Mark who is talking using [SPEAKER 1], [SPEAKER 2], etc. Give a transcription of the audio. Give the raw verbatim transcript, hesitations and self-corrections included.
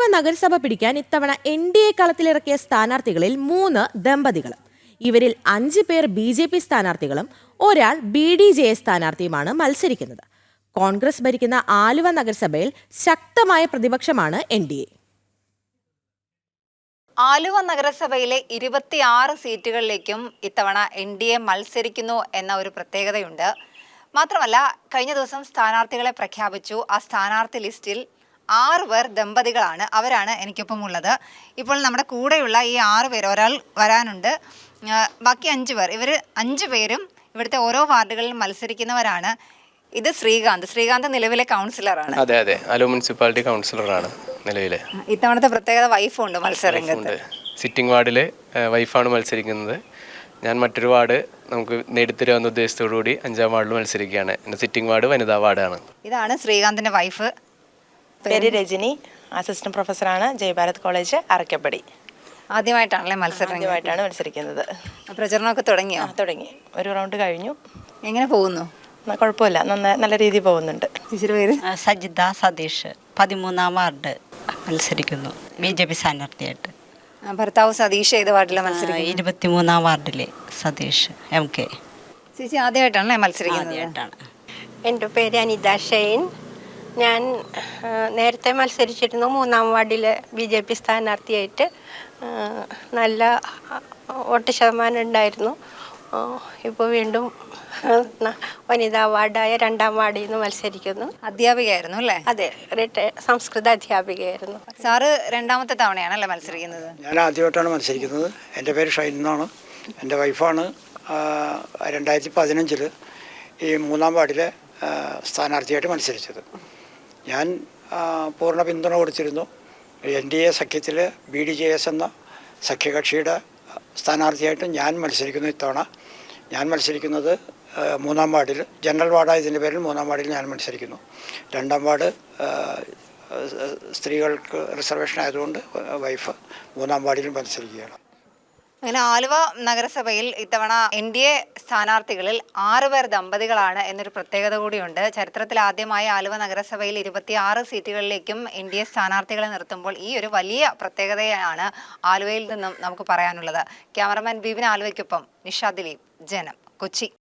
[SPEAKER 1] നഗരസഭ പിടിക്കാൻ ഇത്തവണ എൻ ഡി എ കളത്തിലിറക്കിയ സ്ഥാനാർത്ഥികളിൽ മൂന്ന് ദമ്പതികൾ. ഇവരിൽ അഞ്ച് പേർ ബി ജെ പി സ്ഥാനാർത്ഥികളും ഒരാൾ ബി ഡി ജെ എസ് സ്ഥാനാർത്ഥിയുമാണ് മത്സരിക്കുന്നത്. കോൺഗ്രസ് ഭരിക്കുന്ന ആലുവ നഗരസഭയിൽ ശക്തമായ പ്രതിപക്ഷമാണ് എൻ ഡി എ.
[SPEAKER 2] ആലുവ നഗരസഭയിലെ ഇരുപത്തിയാറ് സീറ്റുകളിലേക്കും ഇത്തവണ എൻ ഡി എ മത്സരിക്കുന്നു എന്ന ഒരു പ്രത്യേകതയുണ്ട്. മാത്രമല്ല, കഴിഞ്ഞ ദിവസം സ്ഥാനാർത്ഥികളെ പ്രഖ്യാപിച്ചു. ആ സ്ഥാനാർത്ഥി ലിസ്റ്റിൽ ആറ് പേർ ദമ്പതികളാണ്. അവരാണ് എനിക്കൊപ്പം ഉള്ളത്. ഇപ്പോൾ നമ്മുടെ കൂടെയുള്ള ഈ ആറ് പേർ, ഒരാൾ വരാനുണ്ട്, ബാക്കി അഞ്ച് പേർ, ഇവർ അഞ്ച് പേരും ഇവിടുത്തെ ഓരോ വാർഡുകളിൽ മത്സരിക്കുന്നവരാണ്. ഇത് ശ്രീകാന്ത് ശ്രീകാന്ത് നിലവിലെ കൗൺസിലറാണ്.
[SPEAKER 3] അതെ അതെ ആലുവ മുനിസിപ്പാലിറ്റി കൗൺസിലറാണ് നിലവിലെ.
[SPEAKER 2] ഇത്തവണത്തെ പ്രത്യേകത വൈഫുണ്ട് മത്സരരംഗത്ത്.
[SPEAKER 3] സിറ്റിംഗ് വാർഡിലെ വൈഫാണ് മത്സരിക്കുന്നത്. ഞാൻ മറ്റൊരു വാർഡ് നമുക്ക് നേടിത്തരാവുന്ന ഉദ്ദേശത്തോടു കൂടി അഞ്ചാം വാർഡിൽ മത്സരിക്കുകയാണ്. എൻ്റെ സിറ്റിംഗ് വാർഡ് വനിതാ വാർഡാണ്.
[SPEAKER 2] ഇതാണ് ശ്രീകാന്തിന്റെ വൈഫ്.
[SPEAKER 4] പേര് രജനി, അസിസ്റ്റന്റ് പ്രൊഫസറാണ്, ജയഭാരത് കോളേജ് അറക്കപ്പടി.
[SPEAKER 2] ആദ്യമായിട്ടാണല്ലേ മത്സരം?
[SPEAKER 4] ആദ്യമായിട്ടാണ് മത്സരിക്കുന്നത്.
[SPEAKER 2] പ്രചരണമൊക്കെ തുടങ്ങിയോ?
[SPEAKER 4] തുടങ്ങി, ഒരു റൗണ്ട് കഴിഞ്ഞു.
[SPEAKER 2] എങ്ങനെ പോകുന്നു?
[SPEAKER 4] കുഴപ്പമില്ല, നന്നായി നല്ല രീതിയിൽ പോകുന്നുണ്ട്.
[SPEAKER 2] ടീച്ചർ പേര്?
[SPEAKER 5] സജിത സതീഷ്, പതിമൂന്നാം വാർഡ് മത്സരിക്കുന്നു ബി ജെ പി സ്ഥാനാർത്ഥിയായിട്ട്.
[SPEAKER 2] ഭർത്താവ് സതീഷ് ഏത് വാർഡിലാണ് മത്സരിക്കുന്നത്?
[SPEAKER 5] ഇരുപത്തിമൂന്നാം വാർഡിലെ സതീഷ് എം കെ.
[SPEAKER 2] ചേച്ചി ആദ്യമായിട്ടാണല്ലേ മത്സരിക്കുന്നത്?
[SPEAKER 6] എൻ്റെ പേര് അനിത ഷെയ്ൻ. ഞാൻ നേരത്തെ മത്സരിച്ചിരുന്നു മൂന്നാം വാർഡിലെ ബി ജെ പി സ്ഥാനാർത്ഥിയായിട്ട്. നല്ല വോട്ട് ശതമാനം ഉണ്ടായിരുന്നു. ഇപ്പോൾ വീണ്ടും വനിതാ വാർഡായ രണ്ടാം വാർഡിൽ നിന്ന് മത്സരിക്കുന്നു.
[SPEAKER 2] അധ്യാപികയായിരുന്നു അല്ലേ?
[SPEAKER 6] അതെ, സംസ്കൃത അധ്യാപികയായിരുന്നു.
[SPEAKER 2] സാറ് രണ്ടാമത്തെ തവണയാണല്ലേ മത്സരിക്കുന്നത്?
[SPEAKER 7] ഞാൻ ആദ്യമായിട്ടാണ് മത്സരിക്കുന്നത്. എൻ്റെ പേര് ഷൈൻ എന്നാണ്. എൻ്റെ വൈഫാണ് രണ്ടായിരത്തി പതിനഞ്ചിൽ ഈ മൂന്നാം വാർഡിലെ സ്ഥാനാർത്ഥിയായിട്ട് മത്സരിച്ചത്. ഞാൻ പൂർണ്ണ പിന്തുണ കൊടുത്തിരുന്നു. എൻ ഡി എ സഖ്യത്തിൽ ബി ഡി ജെ എസ് എന്ന സഖ്യകക്ഷിയുടെ സ്ഥാനാർത്ഥിയായിട്ട് ഞാൻ മത്സരിക്കുന്നു. ഇത്തവണ ഞാൻ മത്സരിക്കുന്നത് മൂന്നാം വാർഡിൽ, ജനറൽ വാർഡായതിൻ്റെ പേരിൽ മൂന്നാം വാർഡിൽ ഞാൻ മത്സരിക്കുന്നു. രണ്ടാം വാർഡ് സ്ത്രീകൾക്ക് റിസർവേഷൻ ആയതുകൊണ്ട് വൈഫ് മൂന്നാം വാർഡിൽ മത്സരിക്കുകയാണ്.
[SPEAKER 2] അങ്ങനെ ആലുവ നഗരസഭയിൽ ഇത്തവണ എൻ ഡി എ സ്ഥാനാർത്ഥികളിൽ ആറ് പേർ ദമ്പതികളാണ് എന്നൊരു പ്രത്യേകത കൂടിയുണ്ട്. ചരിത്രത്തിൽ ആദ്യമായി ആലുവ നഗരസഭയിൽ ഇരുപത്തിയാറ് സീറ്റുകളിലേക്കും എൻ ഡി എ സ്ഥാനാർത്ഥികളെ നിർത്തുമ്പോൾ ഈ ഒരു വലിയ പ്രത്യേകതയാണ് ആലുവയിൽ നിന്നും നമുക്ക് പറയാനുള്ളത്. ക്യാമറമാൻ ബിബിൻ ആലുവയ്ക്കൊപ്പം നിഷ ദിലീപ്, ജനം, കൊച്ചി.